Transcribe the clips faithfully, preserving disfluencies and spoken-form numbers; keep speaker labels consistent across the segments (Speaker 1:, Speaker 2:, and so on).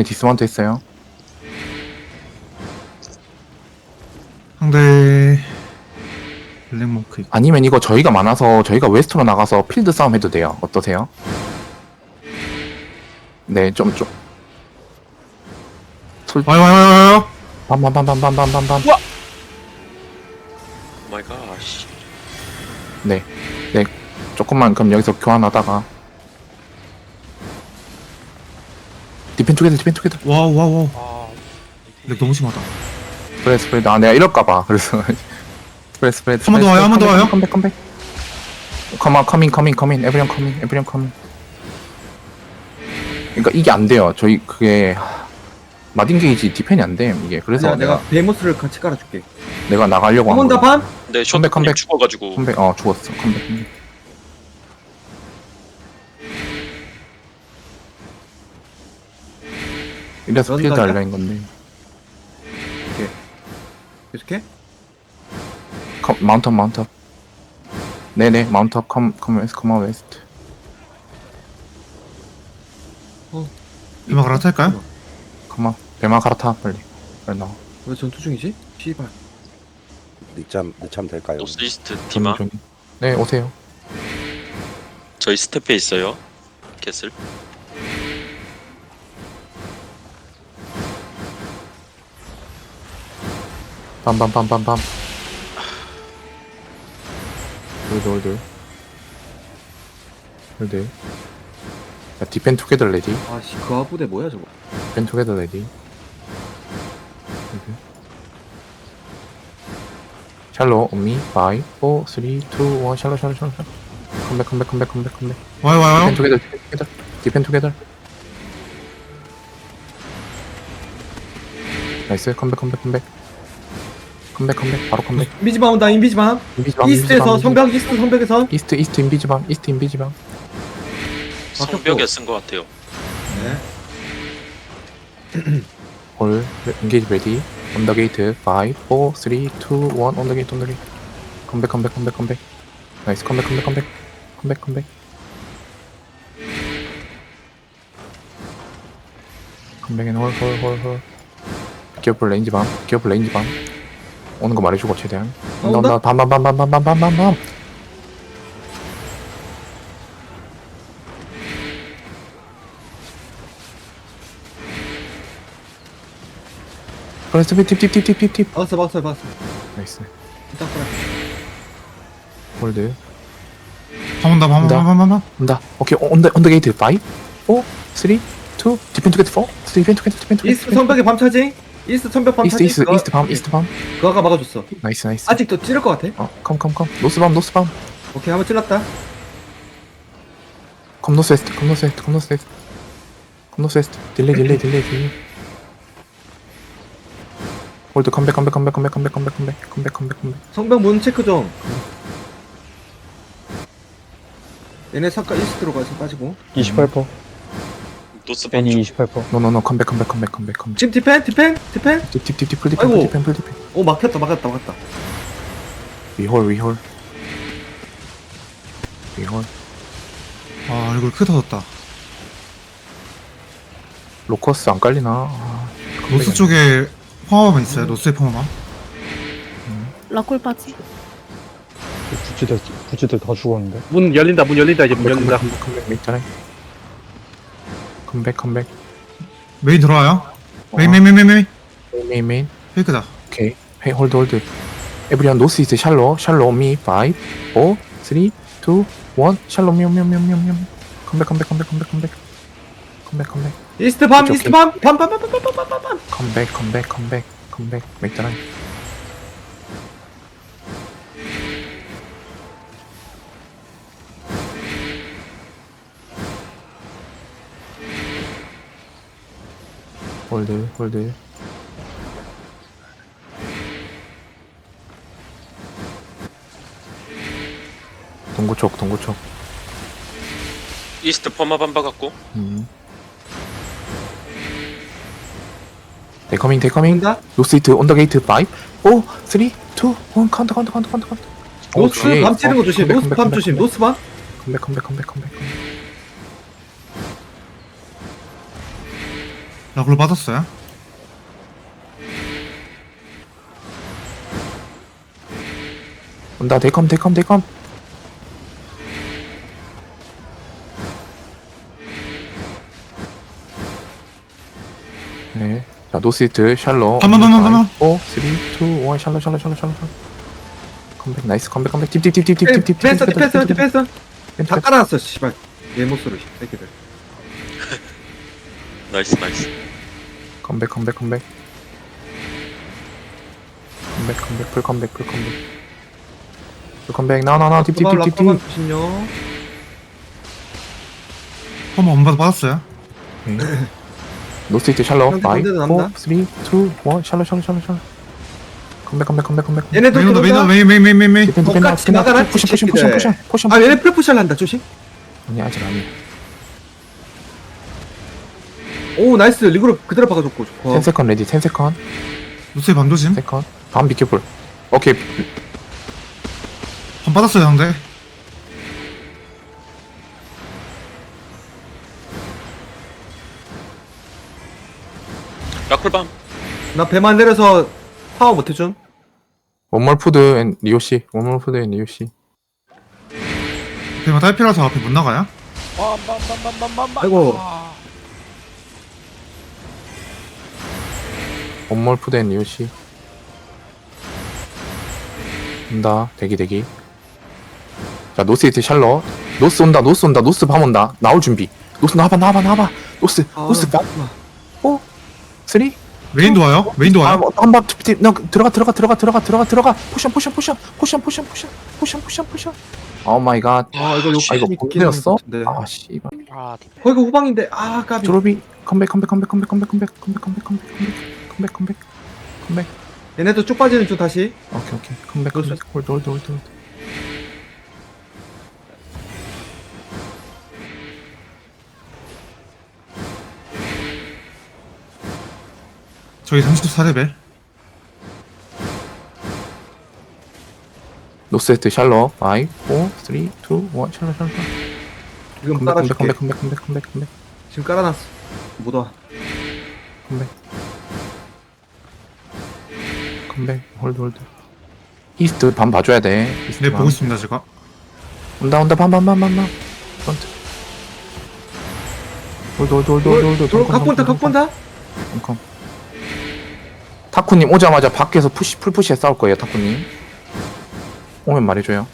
Speaker 1: 얘네 디스마운트 했어요.
Speaker 2: 상대 블랙몽크 있고.
Speaker 1: 아니면 이거 저희가 많아서 저희가 웨스트로 나가서 필드 싸움 해도 돼요. 어떠세요? 네, 좀 좀. 솔
Speaker 2: 와요 와요 와요 와요.
Speaker 1: 밤밤밤밤밤밤밤밤.
Speaker 3: 마이 갓. 씨.
Speaker 1: 네, 네. 조금만 그럼 여기서 교환하다가 디펜 투게더 디펜 투게더.
Speaker 2: 와우 와우 와우.
Speaker 3: 아.
Speaker 2: 렉 너무 심하다.
Speaker 1: 스프레드 스프레드. 아 내가 이럴까봐 그래서 스프레드 스프레드.
Speaker 2: 한번더 와요, 한번더 와요.
Speaker 1: 컴백 컴백. 컴온 커밍 커밍 커밍 에브리언 커밍 에브리언 커밍. 그러니까 이게 안 돼요. 저희 그게 마딘 게이지 디펜이 안 돼. 이게 그래서
Speaker 4: 아니야,
Speaker 1: 내가
Speaker 4: 내가 베모스를 같이 깔아줄게.
Speaker 1: 내가 나가려고 한
Speaker 4: 한번 더
Speaker 1: 거야.
Speaker 4: 반?
Speaker 3: 네,
Speaker 1: 컴백,
Speaker 3: 쇼트님
Speaker 1: 컴백.
Speaker 3: 죽어가지고.
Speaker 1: 컴백 어 죽었어. 컴백. 컴백. 이래서 필드
Speaker 4: 그런가?
Speaker 1: 알려인 건데.
Speaker 4: 계속해?
Speaker 1: 컴, 마운트업 마운트업. 네네 마운트업 컴 컴 웨스트 컴온 웨스트.
Speaker 2: 이마 갈아탈까요?
Speaker 1: 컴온 배마 갈아타 빨리. 빨리 나와.
Speaker 4: 왜 전투 중이지? 씨발.
Speaker 5: 늦잠 늦잠 될까요?
Speaker 3: 노스이스트 디마.
Speaker 1: 좀, 좀. 네 오세요.
Speaker 3: 저희 스텝에 있어요. 캐슬.
Speaker 1: 빰빰빰빰빰. 홀드 홀드 홀드. 자 디펜 투게더 레디.
Speaker 4: 아씨, 그 아부대 뭐야 저거?
Speaker 1: 디펜 투게더 레디. 홀드. 샬로 온미 파이브 사 삼 이 일 샬로 샬로 샬로 샬로. 컴백 컴백 컴백 컴백 컴백.
Speaker 2: 와요 와요.
Speaker 1: 디펜 투게더 디펜 투게더 디펜 투게더. 나이스 컴백 컴백 컴백 컴백 컴백 바로 컴백.
Speaker 4: 인비지밤 온다, 인비지밤.
Speaker 1: 인비지밤
Speaker 4: 이스트에서
Speaker 1: 인비지밤,
Speaker 4: 성벽, 이스트 성벽에서.
Speaker 1: 이스트 이스트 인비지밤 이스트 인비지밤.
Speaker 3: 성벽에 쓴 것 같아요.
Speaker 4: 네.
Speaker 1: 홀 엔게이지 레디. On the gate 파이브 사 삼 이 일 On the gate on the gate. 컴백 컴백 컴백 컴백. 나이스 컴백 컴백 컴백 컴백 컴백. 컴백엔 홀홀홀홀. 기어풀 레인지 밤 기어풀 레인지 밤. 오는 거 말해주고 최대한.
Speaker 4: 어,
Speaker 1: 온다 온다 밤밤밤밤밤밤밤밤. 그래서 팁팁팁팁팁팁.
Speaker 4: 박았어, 박았어, 박았어.
Speaker 1: 나이스.
Speaker 4: 일단 깔아.
Speaker 1: 홀드.
Speaker 2: 한번더
Speaker 1: 온다.
Speaker 2: 한번더
Speaker 1: 온다. 오케이 온더 온더 게이트 파이브 사 삼 이 일 디펜 투게트 사 디펜 투게트 디펜 투게트.
Speaker 4: 이스트 성벽에 밤 차지? 이스트 성벽 밤
Speaker 1: 이스트
Speaker 4: 차지?
Speaker 1: 이스트
Speaker 4: 그거-
Speaker 1: 이스트 밤 이스트 밤.
Speaker 4: 그거 아까 막아줬어.
Speaker 1: 나이스 나이스.
Speaker 4: 아직도 찌를 것 같아.
Speaker 1: 어, 컴, 컴, 컴. 노스 밤, 노스 밤.
Speaker 4: 오케이, 한번 찔렀다.
Speaker 1: 컴, 노스 웨스트, 컴, 노스 웨스트, 컴, 노스 웨스트. 컴, 노스 웨스트. 딜레이, 딜레이, 딜레이, 딜레이. 홀드, 컴백, 컴백, 컴백, 컴백, 컴백, 컴백, 컴백, 컴백, 컴백, 컴백.
Speaker 4: 성벽 문 체크 좀. 얘네 잠깐 이스트로 가서 빠지고.
Speaker 6: 이십팔 퍼센트
Speaker 3: 노스
Speaker 6: 애니
Speaker 3: 반쪽.
Speaker 6: 이십팔 퍼센트
Speaker 1: 노, 노, 노, 컴백, 컴백, 컴백, 컴백, 컴백.
Speaker 4: 지금 디펜, 디펜, 디펜.
Speaker 1: 딥, 딥, 딥, 딥, 풀 디펜,
Speaker 4: 아이고.
Speaker 1: 풀 디펜, 풀 디펜.
Speaker 4: 오, 막혔다, 막혔다, 막혔다.
Speaker 1: 위홀, 위홀. 위홀.
Speaker 2: 아 얼굴 크게 터졌다.
Speaker 1: 로커스 안 깔리나? 아,
Speaker 2: 노스
Speaker 1: 컴백이
Speaker 2: 쪽에 펑어만 있어요. 노스에 펑어만.
Speaker 7: 라콜 빠지.
Speaker 6: 구찌들 구찌들 다 죽었는데.
Speaker 8: 문 열린다, 문 열린다, 이제 문
Speaker 1: 컴백,
Speaker 8: 열린다.
Speaker 1: 컴백, 컴백, 컴백, 있잖아요. 컴백, 컴백.
Speaker 2: 메인 들어와요.
Speaker 1: 어.
Speaker 2: 메인 메인 메인 메인 메인.
Speaker 1: 메인, 메인, 메인.
Speaker 2: 페이크다.
Speaker 1: 오케이. 헤이, 홀드, 홀드. 에브리언 노스 이스트 샬로, 샬로 미 파이브 사 삼 이 일 샬로 미, 미, 미, 미, 미. 컴백, 컴백, 컴백, 컴백, 컴백. 컴백, 컴백.
Speaker 4: 이스트 밤,
Speaker 1: 오케이,
Speaker 4: 이스트
Speaker 1: 오케이.
Speaker 4: 밤, 밤, 밤, 밤, 밤, 밤, 밤, 밤, 밤.
Speaker 1: 컴백, 컴백, 컴백, 컴백. 맥다라이. 홀드, 홀드. 동구 쪽, 동구 쪽.
Speaker 3: 이스트 퍼마 반바 같고.
Speaker 1: 음. 데커밍, 데커밍.
Speaker 4: 온다.
Speaker 1: 노스 이트 온더 게이트 파이브 사 삼 이 일 카운터, 카운터, 카운터, 카운터, 카운터.
Speaker 4: 노스
Speaker 1: 오케이.
Speaker 4: 밤 찌는 거 조심.
Speaker 1: 컴백,
Speaker 4: 노스
Speaker 1: 컴백,
Speaker 4: 밤
Speaker 1: 컴백,
Speaker 4: 조심.
Speaker 1: 컴백.
Speaker 4: 노스 밤.
Speaker 1: 컴백, 컴백, 컴백, 컴백, 컴백.
Speaker 2: 라굴로 빠졌어요.
Speaker 1: 온다. 데컴 데컴 데컴. 네. 자, 노스이트 샬로.
Speaker 2: 한 번, 한 번, 한 번.
Speaker 1: 오, 삼, 이, 일 샬로 샬로 샬로 샬로 샬로. 컴백 나이스 컴백 컴백 딥딥딥딥딥딥
Speaker 4: 디펜스 디펜스 디펜스 다 깔아놨어 씨발 얘 못소리 새끼들.
Speaker 3: 나이스 나이스.
Speaker 1: 컴백 컴백 컴백 컴백 컴백 풀 컴백 풀 컴백 풀 컴백 나나나 딥딥딥딥
Speaker 4: 라커만 조심요.
Speaker 2: 퍼마 엄마도 빠졌어요.
Speaker 1: 노스이트 샬로
Speaker 4: 상대
Speaker 1: 오,
Speaker 4: 반대도 남다.
Speaker 1: 삼, 이, 일 샬로 샬로 샬로 샬로 컴백 컴백 컴백 컴백
Speaker 4: 얘네도
Speaker 2: 메인 온다, 메인 온다,
Speaker 4: 들어온다.
Speaker 2: 메인, 메인, 메인, 메인, 메인.
Speaker 1: 디펜 디펜
Speaker 4: 똑같이
Speaker 1: 디펜
Speaker 4: 나가라,
Speaker 1: 포션 포션 포션
Speaker 4: 새끼들.
Speaker 1: 포션 포션
Speaker 4: 아 얘네 프레푸시를 한다 조심.
Speaker 1: 아니 아직 아니
Speaker 4: 오 나이스 리그로 그대로 박아줬고 좋고.
Speaker 1: 십 세컨 레디 십 세컨
Speaker 2: 노스에 밤 조심.
Speaker 1: 세컨 밤 비켜볼 오케이
Speaker 2: 밤 빠졌어요, 상대.
Speaker 3: 라쿨밤.
Speaker 4: 나 배만 내려서 파워 못해줌.
Speaker 1: 원몰 푸드 앤 리오씨 원몰 푸드 앤 리오씨
Speaker 2: 대마 딸피라서 앞에 못 나가요?
Speaker 4: 아이고
Speaker 1: 원몰 푸드 앤 리오씨 온다 대기 대기 자 노스이트 샬러 노스 온다 노스 온다 노스 밤 온다 나올 준비 노스 나와봐 나와봐 나와봐 노스
Speaker 4: 아,
Speaker 1: 노스 밤 오 쓰리
Speaker 2: 메인도 와요? 메인도 와요?
Speaker 1: 한번 너 들어가 들어가 들어가 들어가 들어가 들어가 포션 포션 포션 포션 포션 포션 포션 포션 포션 오 마이 갓
Speaker 4: 아 이거
Speaker 1: 아 이거
Speaker 4: 욕심이
Speaker 1: 본대였어?
Speaker 4: 네.
Speaker 1: 아 씨발
Speaker 4: 거기가 후방인데 아 까비.
Speaker 1: 드로비 컴백 컴백 컴백 컴백 컴백 컴백 컴백 컴백 컴백 컴백 컴백 컴백
Speaker 4: 얘네도 쭉 빠지는 중 다시.
Speaker 1: 오케이 오케이 컴백 컴백 홀드 홀드 홀드 홀드
Speaker 2: 저희 삼십사 레벨.
Speaker 1: 노스에트 샬러 파이브 사 삼 이 일 샬러 샬러 샬러
Speaker 4: 지금
Speaker 1: 컴백
Speaker 4: 깔아줄게.
Speaker 1: 컴백 컴백 컴백 컴백 컴백
Speaker 4: 지금 깔아놨어. 못 와.
Speaker 1: 컴백 컴백 홀드 홀드 이스트 밤 봐줘야 돼 이스트
Speaker 2: 네,
Speaker 1: 밤.
Speaker 2: 보고 있습니다, 제가.
Speaker 1: 온다 온다 밤밤밤밤밤 프런트 홀드 홀드 홀드 홀드 홀드
Speaker 4: 들어 갖고 온다 갖고 온다.
Speaker 1: 컴컴 타쿠님 오자마자 밖에서 푸시 풀푸시에 싸울 거예요 타쿠님 오면 말해줘요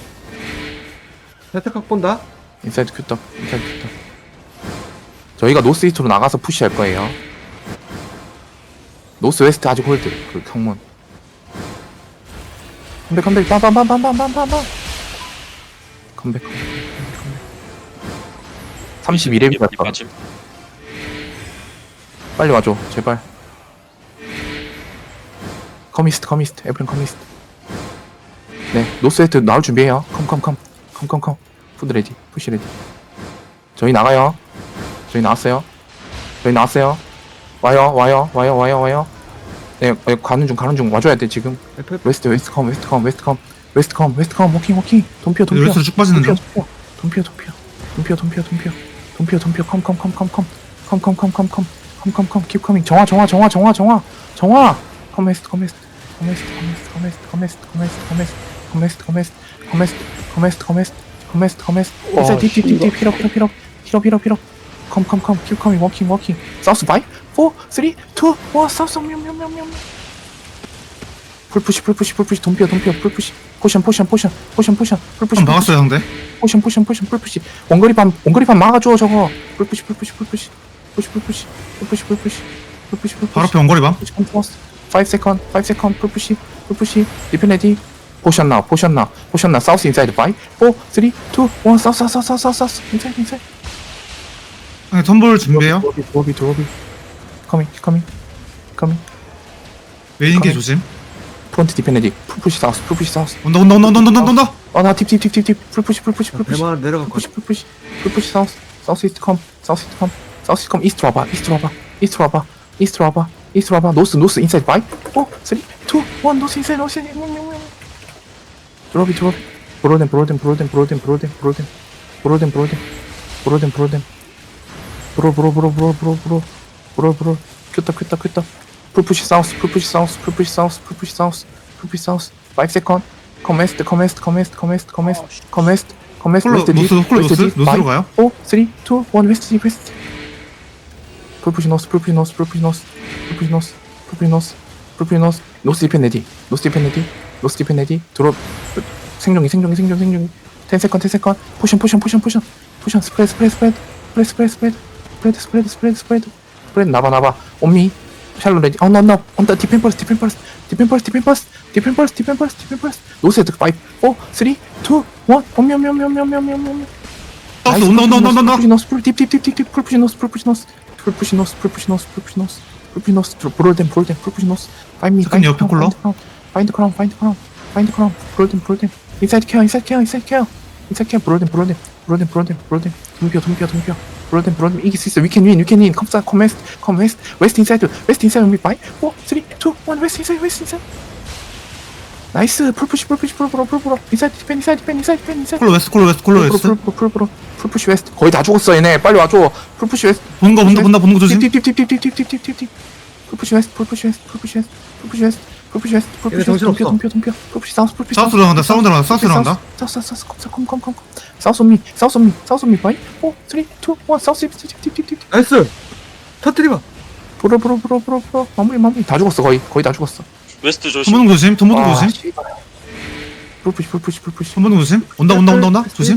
Speaker 4: 세탁 갖고 온다.
Speaker 1: 인사이드 큐떡 인사이드 큐떡 저희가 노스 이스트로 나가서 푸시할 거예요 노스 웨스트 아직 홀드 그 성문 컴백 컴백 빰빰빰빰빰빰빰빰 컴백 컴백 컴백 컴백 삼십이 렙이 갔다
Speaker 3: 맞음.
Speaker 1: 빨리 와줘 제발 커미스트 커미스트 에브린 커미스트 네 노스웨스트 나올 준비해요 컴컴컴 컴컴컴 푸드 레디 푸시 레디 저희 나가요 저희 나왔어요 저희 나왔어요 와요 와요 와요 와요 와요 네 네, 가는 중 가는 중 와줘야 돼 지금
Speaker 4: 에프
Speaker 1: 웨스트 웨스트 컴 웨스트 컴 웨스트 컴 웨스트 컴 웨스트 컴 워킹 워킹 돈피어 돈피어
Speaker 2: 웨스트로 쭉 빠지는 중.
Speaker 1: 돈피어 돈피어 돈피어 돈피어 돈피어 돈피어 돈피어 컴컴컴컴컴컴컴컴컴컴컴컴컴컴 킵 커밍 정화 정화 정화 정화 정화 정화 커메스트 커메스트 커메스트 커메스트 커메스트 커메스트 커메스트 커메스트 커메스트 커메스트 커메스트 커메스트 커메스트 커메스트 딥딥딥딥 힐업 힐업 힐업 힐업 힐업 힐업 컴컴컴 킵 커밍 워킹 워킹 사우스 파이브 사 삼 이 일 사우스 뮤뮤뮤뮤 풀푸시 풀푸시 풀푸시 돈피어 돈피어 풀푸시 포션 포션 포션 포션 포션 풀푸시
Speaker 2: 한 막았어요, 상대.
Speaker 1: 포션 포션 포션 풀푸시 원거리판 원거리판 막아줘 저거 풀푸시 풀푸시 풀푸시 푸시 풀푸시 풀푸시 풀푸시 풀푸시 풀푸시
Speaker 2: 바로 앞에 원거리 밤.
Speaker 1: push continuous. five second, five second, pull push, pull push, definitely. Potion now, potion now, potion now. South inside. five, four, three, two, one. South, south, south, south, south, south. Inside, inside.
Speaker 2: 상대 텀블 준비해요.
Speaker 1: Lobby, lobby, lobby. Coming, coming, coming.
Speaker 2: 메인 게
Speaker 1: 가면-
Speaker 2: 조심.
Speaker 1: Front definitely. Pull push south, pull push south.
Speaker 2: 온다, 온다, 온다, 온다, 온다, 온다.
Speaker 1: Oh, 나 tip, tip, tip, tip, tip. Pull push, pull push, pull push.
Speaker 4: 배만 내려갈
Speaker 1: Pull
Speaker 4: 거야.
Speaker 1: push, pull push, pull push south. South east come, south east come, south east come. East 와봐, east 와봐, east 와봐, east 와봐, east 와봐. North, north inside. five, four, three, two, one. North inside, north inside. 드롭이 드롭이 브로덴 브로덴 브로덴 브로덴 브로덴 브로덴 브로덴 브로덴 브로덴 브로덴 브로 브로 브로 브로 브로 브로 브롤 브롤 큐터 큐터 큐터 풀푸시 사우스 풀푸시 사우스 풀푸시 사우스 풀푸시 사우스 풀푸시 사우스 오 세컨드 커메스트 커메스트 커메스트 커메스트 커메스트 커메스트 커메스트
Speaker 2: 콜로
Speaker 1: 웨스트
Speaker 2: 노스 콜로 노스 노스로 가요.
Speaker 1: 오 삼 이 일 웨스트 웨스트 풀푸시 노스 풀푸시 노스 풀푸시 노스 풀푸시 노스 풀푸시 노스 풀푸시 노스 노스 디펜 레디 노스 디펜 레디 노스 디펜 레디 드롭 생존기 생존기 생존기 생존기 십 세컨드 십 세컨드 포션 포션 포션 포션 포션 스프레드 스프레드 스프레드 스프레드 스프레드 스프레드 스프레드 스프레드 스프레드 스프레드 나봐 나봐 온미 샬로 레디 언더 언더 언더 디펜 퍼스 디펜 퍼스 디펜 퍼스 디펜 퍼스 디펜 퍼스 디펜 퍼스 디펜 퍼스 노스헤드 오 사 이 일 온미 온미 온미 온미 온미 온미 온미
Speaker 2: 사우스 온다 온다 온다 온다 온다.
Speaker 1: 풀푸시 노스 딥딥딥딥 풀푸시 노스 풀푸시 노스 풀푸시 노스 풀푸시 노스 풀푸시 노스 풀푸시 노스 브롤덴 브롤덴 풀푸시 노스 파인미
Speaker 2: 잠깐 옆에 콜러.
Speaker 1: 파인드 크라운 파인드 크라운 파인드 크라운 브롤덴 브롤덴 인사이드 케어 인사이드 케어 인사이드 케어 인사이드 케어 브롤덴 브롤덴 브롤덴 브롤덴 브롤덴 동피어 동피어 동피어 브롤덴 브롤덴 이길 수 있어 we can win we can win 컴사 컴웨스트 컴웨스트 웨스트 인사이드 웨스트 인사이드 미 파이 오 삼 이 일 웨스트 인사이드 웨스트 인사이드 나이스 풀푸시 풀푸시 풀프로 풀프로 인사이드 디펜 인사이드 디펜 인사이드 디펜 인사이드
Speaker 2: 콜로 웨스트 콜로 웨스트 콜로 웨스트.
Speaker 1: 풀프로 풀프로 풀푸시 웨스트 거의 다 죽었어 얘네 빨리 와줘 풀푸시 웨스트
Speaker 2: 보는 거 본다 본다 보는 거 조심.
Speaker 1: 딥딥딥딥딥딥딥딥딥 풀푸시 웨스트 풀푸시 웨스트 풀푸시 웨스트 풀푸시 웨스트 풀푸시 웨스트 풀푸시 웨스트
Speaker 4: 정신없어.
Speaker 1: 동피어 동피어 풀푸시 사우스 풀푸시
Speaker 2: 사우스로 나간다 사우스로 나간다 사우스로 나간다.
Speaker 1: 사우스 사우스 사우스 컴컴컴컴 사우스 온미 사우스 온미 사우스 온미 파이 오 삼 이 일 사우스 딥딥딥딥
Speaker 4: 나이스. 터뜨리봐.
Speaker 1: 브로 브로 브로 브로 브로 마무리 마무리 다 죽었어 거의 거의 다 죽었어
Speaker 3: 웨스트 조심.
Speaker 2: 돈 보는 거 조심. 돈 보는 거
Speaker 1: 아,
Speaker 2: 조심.
Speaker 1: 씨발. 풀푸시 풀푸시 풀푸시
Speaker 2: 돈 보는 거 조심. 온다 온다 온다 온다. 조심.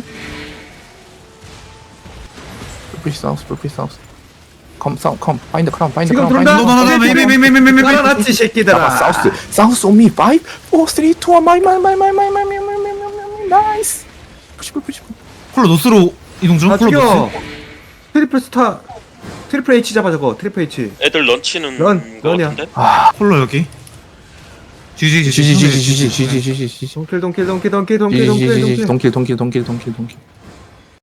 Speaker 1: 풀푸시 사우스 풀푸시 사우스 컴 사우 컴 파인드 크라운 파인드
Speaker 4: 지금
Speaker 1: 크라운
Speaker 4: 들어온다.
Speaker 2: 너, 너, 너, 너, 메이, 메이, 메이, 메이, 메이, 메이.
Speaker 4: 깔아놨지 새끼들아.
Speaker 1: 나가 사우스 사우스 온미 오 삼 이 일 마이 마이 마이 마이 마이 마이 마이 마이 마이 마이 나이스 푸시 푸시
Speaker 2: 콜로 노스로 이동 중.
Speaker 4: 다
Speaker 2: 콜로
Speaker 4: 죽여.
Speaker 2: 노스.
Speaker 4: 트리플 스타. 트리플 H 잡아 저거. 트리플 H.
Speaker 3: 애들 런치는
Speaker 4: 런,
Speaker 3: 거
Speaker 4: 런이야.
Speaker 3: 같은데?
Speaker 1: 아
Speaker 2: 콜로 여기. 지지 지지
Speaker 1: 지지지지지지지지지지
Speaker 4: 동킬 동킬 동킬 동킬 동킬 동킬
Speaker 1: 지지지지
Speaker 4: 동킬.
Speaker 1: 동킬 동킬 동킬 동킬 동킬